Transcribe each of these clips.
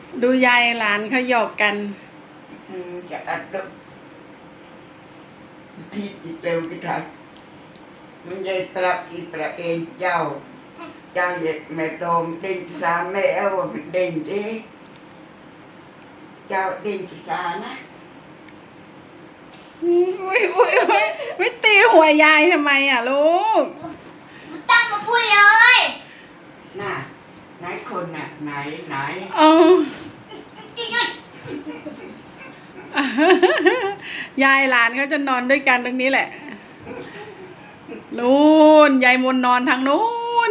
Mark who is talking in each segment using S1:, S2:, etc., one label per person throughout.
S1: ดูยายหลานเขาหยอกกัน
S2: จะอัดดที่จิตเร็วกี่ทันมันยายตระกีตระเองเจ้าเหยียดแม่โดมเด้งสาแม่เอาเป็นเด้งดิเจ้าเด้งสานะ
S1: อุ้ยไม่ตีหัวยายทำไมอ่ะลูก
S3: มันตั้งมาพูดเลย
S2: น่ะไหนคนน่ะไหน
S1: อ๋อยายหลานเขาจะนอนด้วยกันตรงนี้แหละนู่นยายมนนอนทางนู้น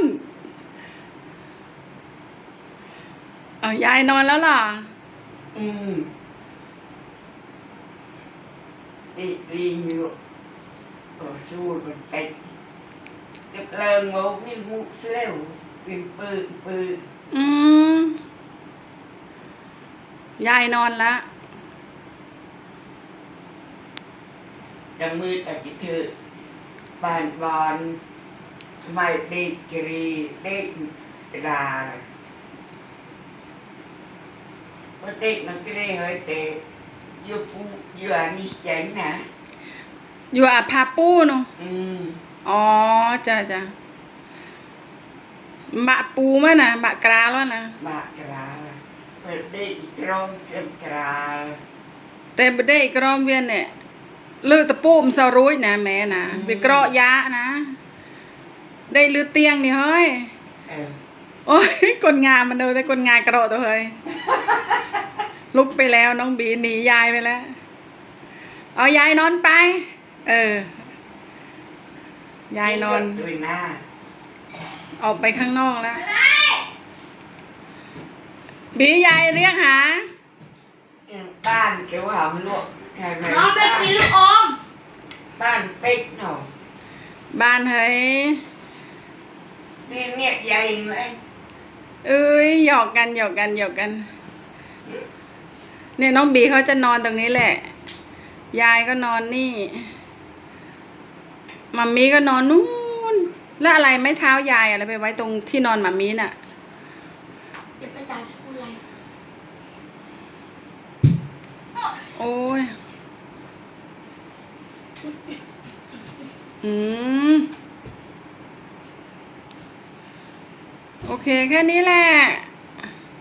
S1: ยายนอนแล้วล่ะ
S2: ดีอยู่สู้มันเต็มจะเลิงโมวิ่งมุกเลี้ยววิ่งปืน
S1: ยายนอนแล้ว
S2: จังมือตะกิเธอปานบอลไม่เด็กกรีเด็กดาเพราะเด็กมันก็ได้เฮ้ยแต่อยู่อันนี้เจ๋งนะ
S1: อยู่อาพาปูเนาะอ๋อจ้ะบะปูมั้ยนะบะกราแล้วนะ
S2: บะกราเปิดเด็กกรมเต็มกรา
S1: แต่บได้กรมเวียนเนี่ยเลือดตะปูมสรุยนะแม่นะไปเกราะยะนะได้เลือดเตียงนี่เฮ้ยโอ้ยคนงานมันเดินแต่คนงานกระโดดตัวเฮ้ยลุกไปแล้วน้องบีหนียายไปแล้วเอายายนอนไปยายนอนออกไปข้างนอกแล้วบียายเรียกหา
S2: บ้านเกี่ยวหอมลวก
S3: น้องไปกินลูกอม
S2: บ้านเป็ดหน่อ
S1: บ้านเฮ้ย
S2: เนี่ยใหญ่ไหม
S1: หยอกกันเนี่ยน้องบีเขาจะนอนตรงนี้แหละยายก็นอนนี่มัมมี่ก็นอนนู่นแล้วอะไรไม่เท้ายายอะไรไปไว้ตรงที่นอนมัมมี่น่ะ
S3: จะไปตัดชุดอะไร
S1: โอ้ยโอเคแค่นี้แหละ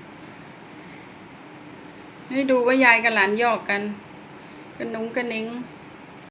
S1: ให้ดูว่ายายกับหลานหยอกกันกระนุ้งกระนิ้ง